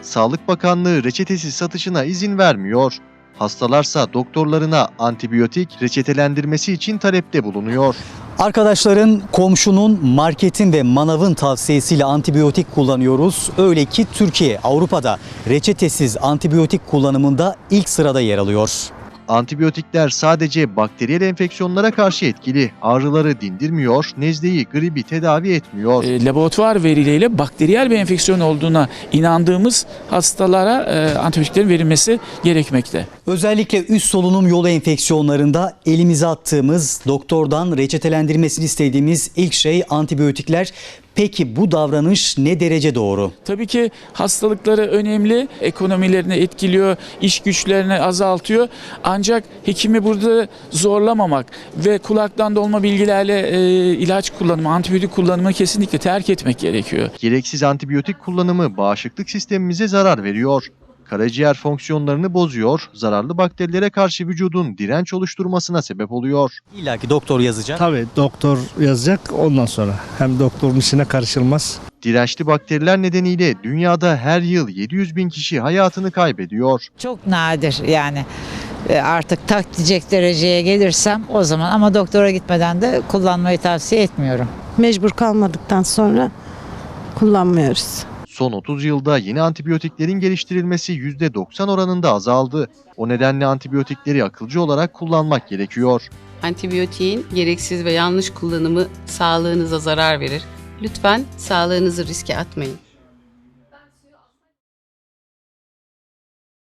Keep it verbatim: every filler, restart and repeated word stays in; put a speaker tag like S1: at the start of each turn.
S1: Sağlık Bakanlığı reçetesiz satışına izin vermiyor. Hastalarsa doktorlarına antibiyotik reçetelendirmesi için talepte bulunuyor.
S2: Arkadaşların, komşunun, marketin ve manavın tavsiyesiyle antibiyotik kullanıyoruz. Öyle ki Türkiye Avrupa'da reçetesiz antibiyotik kullanımında ilk sırada yer alıyor.
S1: Antibiyotikler sadece bakteriyel enfeksiyonlara karşı etkili. Ağrıları dindirmiyor, nezleyi, gribi tedavi etmiyor.
S3: E, laboratuvar verileriyle bakteriyel bir enfeksiyon olduğuna inandığımız hastalara e, antibiyotiklerin verilmesi gerekmekte.
S2: Özellikle üst solunum yolu enfeksiyonlarında elimize attığımız, doktordan reçetelendirmesini istediğimiz ilk şey antibiyotikler. Peki bu davranış ne derece doğru?
S3: Tabii ki hastalıkları önemli, ekonomilerini etkiliyor, iş güçlerini azaltıyor. Ancak hekimi burada zorlamamak ve kulaktan dolma bilgilerle e, ilaç kullanımı, antibiyotik kullanımı kesinlikle terk etmek gerekiyor.
S1: Gereksiz antibiyotik kullanımı bağışıklık sistemimize zarar veriyor. Karaciğer fonksiyonlarını bozuyor, zararlı bakterilere karşı vücudun direnç oluşturmasına sebep oluyor.
S2: İlla ki doktor yazacak.
S4: Tabii doktor yazacak, ondan sonra hem doktorun işine karışılmaz.
S1: Dirençli bakteriler nedeniyle dünyada her yıl yedi yüz bin kişi hayatını kaybediyor.
S5: Çok nadir yani. E, artık tak diyecek dereceye gelirsem o zaman, ama doktora gitmeden de kullanmayı tavsiye etmiyorum.
S6: Mecbur kalmadıktan sonra kullanmıyoruz.
S1: Son otuz yılda yeni antibiyotiklerin geliştirilmesi yüzde doksan oranında azaldı. O nedenle antibiyotikleri akılcı olarak kullanmak gerekiyor.
S7: Antibiyotiğin gereksiz ve yanlış kullanımı sağlığınıza zarar verir. Lütfen sağlığınızı riske atmayın.